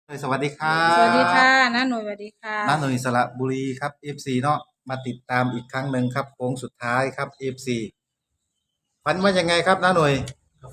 สวัสดีครัสวัสดีค่ะบน้าหน่วยสวัสดีค่ะน้าหน่ยสระบุรีครับ FC เนาะมาติดตามอีกครั้งหนึ่งครับโค้งสุดท้ายครับ FC ฝันว่ายังไงครับน้าหน่ยครับ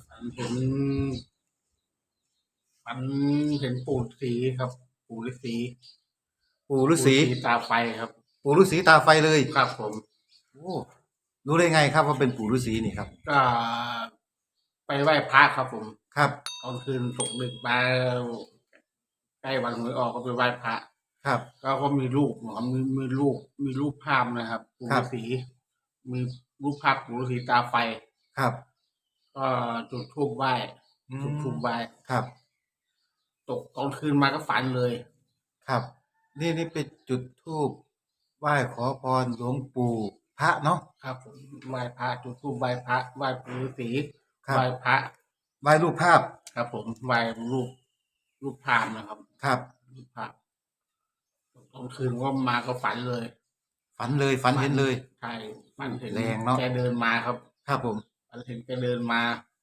ฝันเห็นปู่ฤาษีครับปู่ฤาษีปู่ฤาษีตาไฟครับปู่ฤาษีตาไฟเลยครับผมโอ้รู้ได้ไงครับว่าเป็นปู่ฤาษีนี่ครับก็ไปไหว้พระครับผมครับตอนคืนตกดึกมาใกล้วันหวยออกก็ไปไหว้พระครับก็มีรูปนะครับมีรูปภาพนะครับปู่ฤาษีมีรูปภาพปู่ฤาษีตาไฟครับก็จุดธูปไหว้จุดธูปไหว้ครับตกตอนคืนมาก็ฝันเลยครับนี่เป็นจุดธูปไหว้ขอพรหลวงปู่พระเนาะครับผมไหว้พระจุดธูปไหว้พระไหว้ปู่ฤาษีครับไหว้พระไหว้รูปภาพครับผมไหว้รูปภาพนะครับครับรูปภาพตอนคืนก็มาก็ฝันเลยฝันเลยฝันเห็นเลยใช่ฝันเห็นแรงเนาะแกเดินมาครับครับผมฝันเห็นแกเดินมา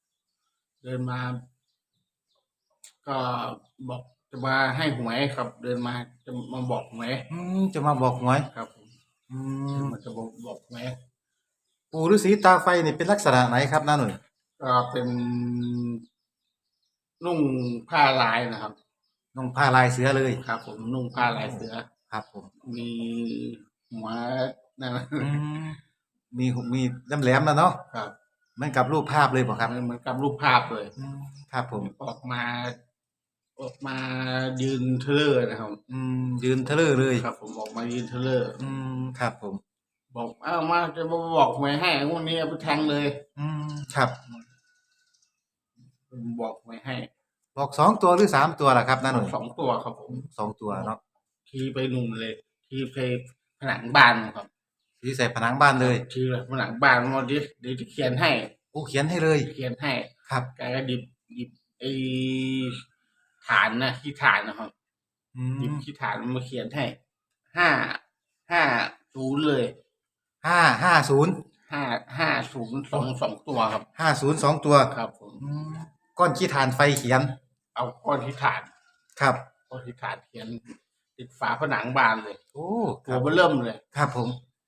ก็บอกจะมาให้หวยครับ เดินมาจะมาบอกหวยจะมาบอกหวยครับผมมันจะบอกหวยปู่ฤาษีตาไฟนี่เป็นลักษณะไหนครับน้าหน่อยก็เป็นนุ่งผ้าลายนะครับนุ่งผ้าลายเสือเลยครับผมนุ่งผ้าลายเสือครับผมมีหัวนั่นมีแหลมๆแล้วเนาะครับเหมือนกับรูปภาพเลยป่ะครับเหมือนกับรูปภาพเลยครับผมออกมายืนเทเลอร์นะครับยืนเทเลอร์เลยครับผมออกมายืนเทเลอร์ครับผมบอกมาจะมาบอกหวยให้วันนี้เอาไปแทงเลยครับบอกหวยให้บอก2 ตัวหรือ3 ตัวล่ะครับน้าหน่อย 2 ตัวครับผม 2 ตัวเนาะทีไปนุ่มเลยทีไปผนังบ้านครับทีใส่ผนังบ้านเลยทีผนังบ้านมาดิเดี๋ยวจะเขียนให้โอ้เขียนให้เลยเขียนให้ครับแกก็หยิบไอ้ฐานนะที่ฐานนะครับหยิบที่ฐานมาเขียนให้550เลย550 2 ตัวครับ 50 2 ตัวครับผมก้อนขี้ฐานไฟเขียนเอาก้อนที่ฐานครับก้อนที่ฐานเขียนติดฝาผนังบ้านเลยโอ้ตัวเริ่มเลยครับผม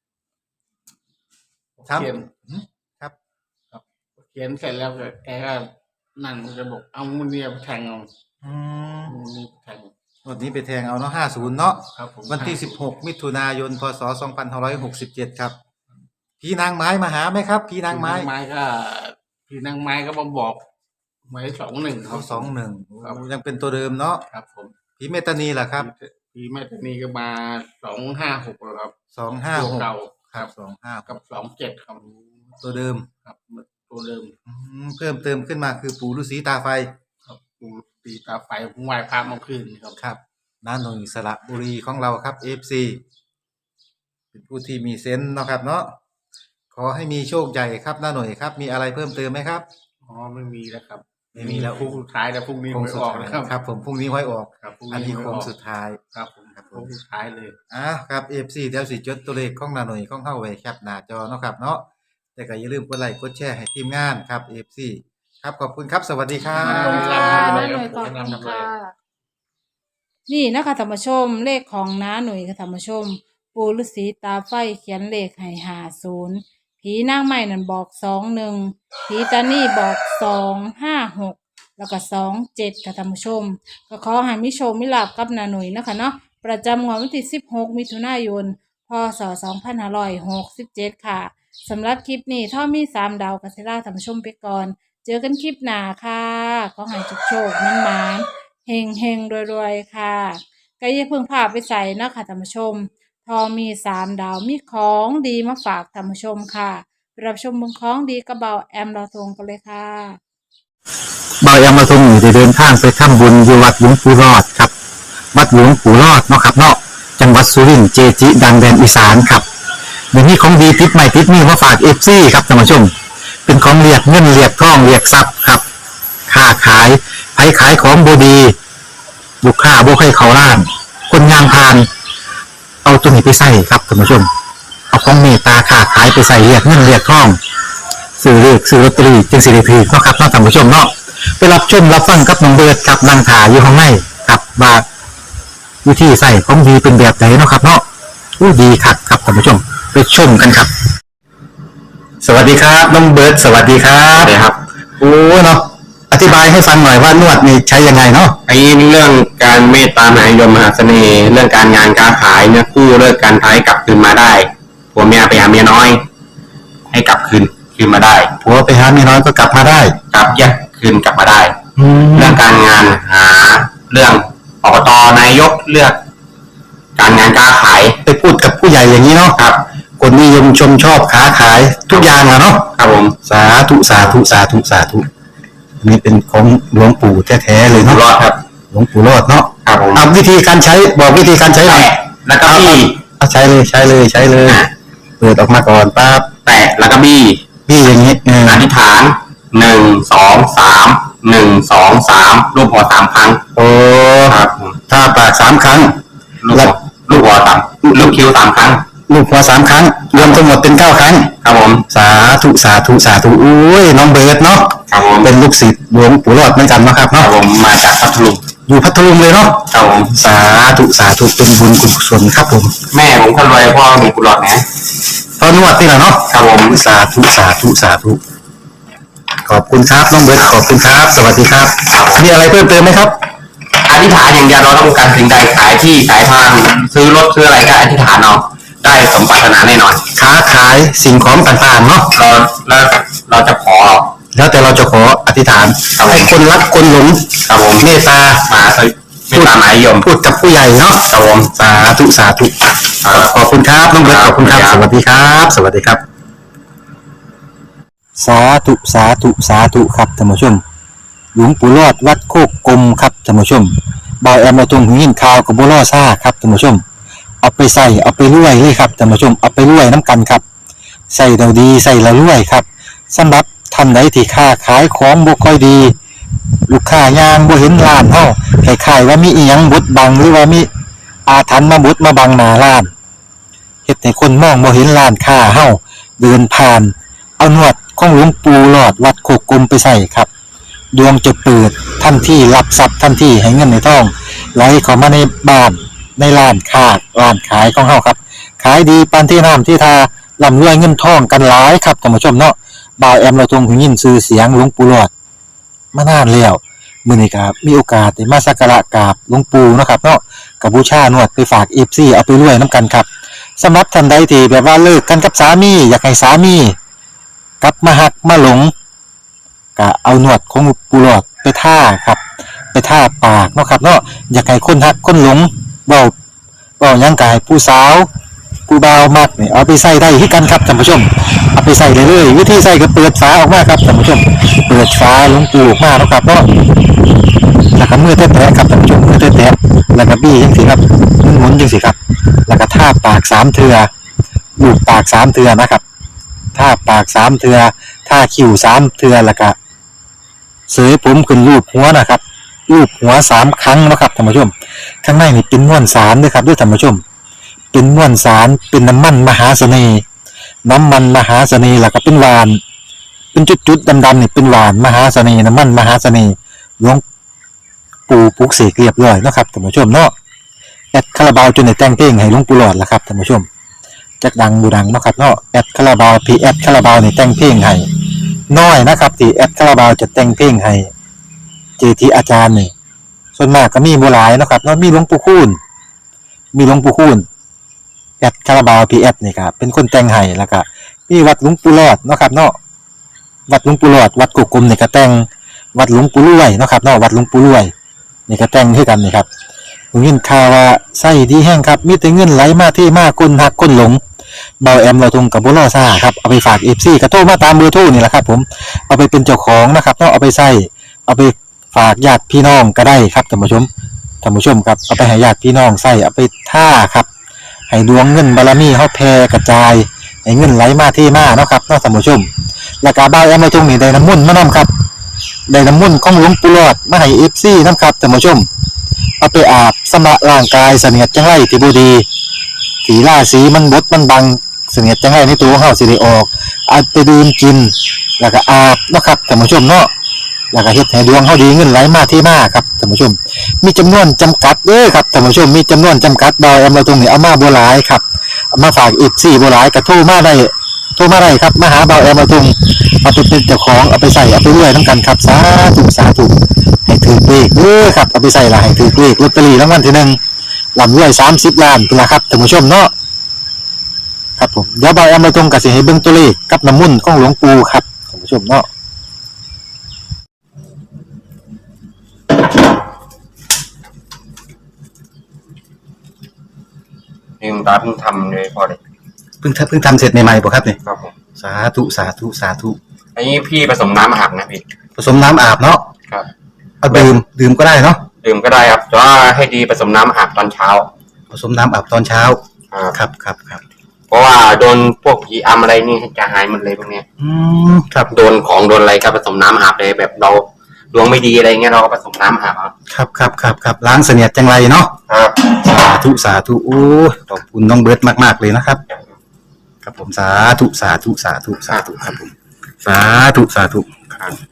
เขียนครับเขียนเสร็จแล้วแกก็นั่นจะบอกเอามือเนี่ยไปแทงเอานี่แทงวันนี้ไปแทงเอาเนาะ50เนาะครับผมวันที่16มิถุนายนพศ2567ครับผีนางไม้มาหาไหมครับผีนางไม้ผีนางไม้ก็มาบอกหมาย21 เขา21ยังเป็นตัวเดิมเนาะครับผมผีเมตานีล่ะครับผีเมตานีก็มา256แล้วครับ 256 เก่าครับ25 กับ27ครับตัวเดิมครับตัวเดิมเพิ่มเติมขึ้นมาคือปู่ฤาษีตาไฟครับปู่ฤาษีตาไฟไหว้พระเมื่อคืนครับน้าหน่ยสระบุรีของเราครับ FC เป็นผู้ที่มีเซนส์เนาะครับเนาะขอให้มีโชคใหญ่ครับน้าหน่ยครับมีอะไรเพิ่มเติมไหมครับไม่มีแล้วครับไม่มีแล้วพรุ่งสุดท้ายแล้วพรุ่งนี้หวยออกนะครับครับผมพรุ่งนี้หวยออกครับอันนี้โค้งสุดท้ายครับผมครับพรุ่งสุดท้ายเลยครับ FC เดี๋ยวสิจดตัวเลขของน้าหน่ยของเฮาไว้แคปหน้าจอเนาะครับเนาะแต่ก็อย่าลืมกดไลค์กดแชร์ให้ทีมงานครับ FC ครับขอบคุณครับสวัสดีครับขอบคุณค่ะน้าหน่วยขอบคุณค่ะนี่นะคะธรรมชมเลขของน้าหน่วยกับธรรมชมปู่ฤาษีตาไฟเขียนเลขให้50ผีนางไม้นั่นบอก21ผีตานี่บอก256แล้วก็27ค่ะธรรมชมก็ขอให้มิโชคมิลาภกับน้าหน่วยนะคะเนาะประจำงวดวันที่16มิถุนายนพศ2567ค่ะสำหรับคลิปนี้ถ้ามี3 ดาวกัสซิล่าธรรมชมไปก่อนเจอกันคลิปหน้าค่ะขอให้โชคมันเฮงรวยๆค่ะก็อย่าเพิ่งพาไปใส่นะคะธรรมชมพอมี3 ดาวมีของดีมาฝากธรรมชมค่ะรับชมบนของดีกระเบาแอมเราทงกันเลยค่ะเบาแอมเราทงอยู่จะเดินทางไปทำบุญอยู่วัดหลวงปู่รอดครับวัดหลวงปู่รอดเนาะครับเนาะจังหวัดสุรินทร์เจจิดังแดนอีสานครับเดี๋ยวนี้ของดีติดใหม่ติดนี่มาฝากFCครับท่านผู้ชมเป็นของเรียกเงินเรียกทองเรียกทรัพย์ครับค้าขายไผขายของบดีลูกค้าบ่ให้เขาล้านคนงานพานเอาตัวนี้ไปใส่ครับท่านผู้ชมเอาของเมตตาค้าขายไปใส่เรียกเงินเรียกทองซื้อเลขซื้อลอตเตอรี่จึงสิได้ถือเนาะครับท่านผู้ชมเนาะไปรับชมรับฟังกับน้องเบิร์ดกับนางถาอยู่ข้างในครับว่าวิธีใส่ของดีเป็นแบบไหนเนาะครับเนาะอู้ดีคักครับท่านผู้ชมไปชมกันครับ สวัสดีครับน้องเบิร์ดสวัสดีครับสวัสดีครับโอ้เนาะอธิบายให้ฟังหน่อยว่านวดนี่ใช้ยังไงเนาะไอ้เรื่องการเมตตามหานิยมมหาเสน่ห์ เรื่องการงานการขายเนี่ยคู่เลิกการท้ายกลับคืนมาได้ผัวเมียไปหาเมียน้อย ให้กลับคืนมาได้ผัวไปหาเมียน้อยก็กลับมาได้กลับแยกคืนกลับมาได้แล้เรื่วองการงานหาเรื่องอบตนายกเลือก การงานการขายไปพูดกับผู้ใหญ่อย่างนี้เนาะครับคนนิยมชมชอบค้าขายทุกอย่างอะเนาะครับผมสาธุสาธุสาธุสาธุอันนี้เป็นของหลวงปู่แท้ๆเลยอยู่เนาะรอดครับหลวงปู่รอดเนาะครับผมเอาวิธีการใช้บอกวิธีการใช้หน่อยแตะแล้วก็บี้เอาใช้เลยใช้เลยใช้เลยเปิดออกมาก่อนปั๊บแตะแล้วก็บี้พี่อย่างนี้เอออธิษฐาน1 2 3 1 2 3รูปหัวสามครั้งโอ้ครับผมถ้าปากสามครั้งลูกหัวสามลูกคิ้วสามครั้งลูกหัวสามครั้ง รวมทั้งหมดเป็น9 ครั้งครับผมสาธุสาธุสาธุอุ้ยน้องเบิร์ดเนาะครับผมเป็นลูกศิษย์หลวงปู่รอดเหมือนกันเนาะครับครับเนาะผมมาจากพัทลุงอยู่พัทลุงเลยเนาะครับผมสาธุสาธุเป็นบุญกุศลครับผมแม่ผมคนรวยพ่อมีกุหลาบนะตอนนวดนี่แหละเนาะครับผมสาธุสาธุสาธุขอบคุณครับน้องเบิร์ดขอบคุณครับ สวัสดีครับมีอะไรเพิ่มเติมไหมครับอธิษฐานอย่างเดียวเราต้องการสิ่งใดขายที่ขายทางซื้อรถซื้ออะไรก็อธิษฐานเอาได้สมปรารถนาแน่นอนค้าขายสิ่งของต่างๆเนาะเราจะขอแล้วแต่เราจะขออธิษฐานให้คนรักคนหลงครับผมเมตตามาไม่ตามหมายยมพูดกับผู้ใหญ่เนาะครับผมสาธุสาธุขอบคุณครับน้องเบิร์ตขอบคุณครับ สวัสดีครับ สวัสดีครับ สาธุสาธุสาธุครับท่านผู้ชม หลวงปู่รอดวัดโคกกลมครับท่านผู้ชมบอยแอมมาตรงหินข่าวกับบัวล่อซ่าครับท่านผู้ชมเอาไปใส่เอาไปรวยเลยครับท่านผู้ชมเอาไปรวยน้ำกันครับใส่เราดีใส่เรารวยครับสำหรับท่านใดที่ค้าขายของบ่ค่อยดี ลูกค้ายางบ่เห็นร้านเฮาคล้ายๆว่ามีอีหยังบดบังหรือว่ามีอาถรรพ์มาบดมาบังหน้าร้านเฮ็ดให้คนมองบ่เห็นร้านค้าเฮาเดินผ่านเอาหนวดของหลวงปู่หลอดวัดโคกกลมไปใส่ครับดวงจะเปิดทันทีรับทรัพย์ทันทีให้เงินในท้องไหลเข้ามาในบ้านในร้านค้าร้านขายของเฮาครับขายดีปานที่น้ำที่ทาร่ำรวยเงินทองกันหลายครับท่านผู้ชมเนาะบ่าวแอมเราทรงหูยินชื่อเสียงหลวงปู่หลอดมานานแล้วมื้อนี้ก็มีโอกาสได้มาสักการะกราบหลวงปู่เนาะครับเนาะก็บูชานวดไปฝาก FC เอาไปรวยนํกันครับสำหรับท่านใดที่แบบว่าเลิกกันกับสามีอยากให้สามีกลับมาหักมาหลงก็เอาหนวดของปู่หลอดไปท่าครับไปท่าปากเนาะครับเนาะอยากให้คนหักคนหลงเว้าหยังก็ให้ผู้สาวผู้บ่าวมักนี่เอาไปใส่ได้คือกันครับท่านผู้ชมเอาไปใส่เลยเลยวิธีใส่ก็เปิดฝาออกมาครับท่านผู้ชมเปิดฝาหลวงปู่ออกมาเนาะครับเนาะแล้วก็มือแตะๆครับท่านผู้ชมมือแตะๆแล้วก็บี้จังซี่ครับหมุนจังซี่ครับแล้วก็ท่าปาก3เทื่อลูบปาก3เทื่อนะครับท่าปาก3เทื่อท่าคิ้ว3เทื่อแล้วก็เสยผมขึ้นรูปหัวนะครับรูปหัว3ครั้งนะครับท่านผู้ชมข้างในนี่เป็นม้วนสารด้วยครับด้วยท่านผู้ชมเป็นม้วนสารเป็นน้ำมันมหาเสน่ห์น้ำมันมหาเสน่ห์แล้วก็เป็นหวานเป็นจุดๆดำๆนี่เป็นหวานมหาเสน่ห์น้ำมันมหาเสน่ห์หลวงปู่ปลุกเสกเรียบร้อยเนาะครับท่านผู้ชมเนาะแอดคาราบาวจนได้แต่งเพลงให้หลวงปู่หลอดแล้วครับท่านผู้ชมจักดังบูดังเนาะครับเนาะแอดคาราบาวพีแอดคาราบาวนี่แต่งเพลงให้น้อยนะครับที่แอดคาราบาวจะแต่งเพลงให้เจทีอาจารย์นี่ส่วนมากก็มีบ่หลายเนาะครับเนาะมีหลวงปู่คูณแอดคาราบาวพีแอดนี่ครับเป็นคนแต่งให้แล้วก็มีวัดหลวงปู่หลอดเนาะครับเนาะวัดหลวงปู่หลอดวัดกุกกลมนี่ก็แต่งวัดหลวงปู่รวยเนาะครับเนาะวัดหลวงปู่รวยนี่ก็แต่งให้กันนี่ครับผมยินข่าวว่าไส้ดีแห้งครับมีแต่เงินไหลมาที่มาคนหักคนหลงเบาแอมเราทงกับบุรอซ่าครับเอาไปฝาก FC ก็โทรมาตามเบอร์โทรนี่แหละครับผมเอาไปเป็นเจ้าของนะครับเนาะเอาไปใส่เอาไปฝากญาติพี่น้องก็ได้ครับท่านผู้ชมครับเอาไปให้ญาติพี่น้องใส่เอาไปท่าครับให้ดวงเงินบารมีเฮาแผ่กระจายให้เงินไหลมาที่มาเนาะครับเนาะท่านผู้ชมแล้วก็เบาแอมเราทงนี่ได้น้ำมนต์มานํครับได้น้ำมนต์ของหลวงปู่หลอดมาให้ FC นํครับท่านผู้ชมเอาไปอาบสำระร่างกายเสนียดจังไรที่บ่ดีสีราสีมันบดมันบังเสนียดจังไรในตัวเฮาสิได้ออกเอาไปดื่มกินแล้วก็อาบเนาะครับท่านผู้ชมเนาะแล้วก็เฮ็ดให้ดวงเฮาดีเงินไหลมาที่มาครับท่านผู้ชมมีจำนวนจำกัดเด้อครับท่านผู้ชมมีจำนวนจำกัดบอยแอมเราตรงนี้เอามาบ่หลายครับเอามาฝากอีก4บ่หลายก็โทรมาได้ครับมาหาบอยแอมเราตรงเอาไปเป็นเจ้าของเอาไปใส่เอาไปรวยนำกันครับสาธุให้ถือเลขเด้อครับเอาไปใส่ละให้ถือเลขลอตเตอรี่รางวัลที่1ลำรวย30ล้านพุ่นล่ะครับท่านผู้ชมเนาะครับผมเดี๋ยวบอยแอมเราตรงก็สิให้เบิ่งตัวเลขกับน้ำมนต์ของหลวงปู่ครับท่านผู้ชมเนาะนี่คุณตาเพิ่งทำเลยพอเลยเพิ่งทำเสร็จใหม่ๆป่ะครับเนี่ยครับผมสาธุอันนี้พี่ผสมน้ำอาบนะพี่ผสมน้ำอาบเนาะครับเอาดื่มก็ได้เนาะดื่มก็ได้ครับแต่ว่าให้ดีผสมน้ำอาบตอนเช้าผสมน้ำอาบตอนเช้าครับครับเพราะว่าโดนพวกผีอำอะไรนี่จะหายหมดเลยพวกเนี้ยครับโดนของโดนอะไรก็ผสมน้ำอาบเลยแบบเราดวงไม่ดีอะไรเงี้ยเราก็ผสมน้ำอาบครับล้างเสนียดจังไรเนาะครับสาธุโอ้ขอบคุณน้องเบิร์ตมากๆเลยนะครับครับผมสาธุครับผมสาธุครับ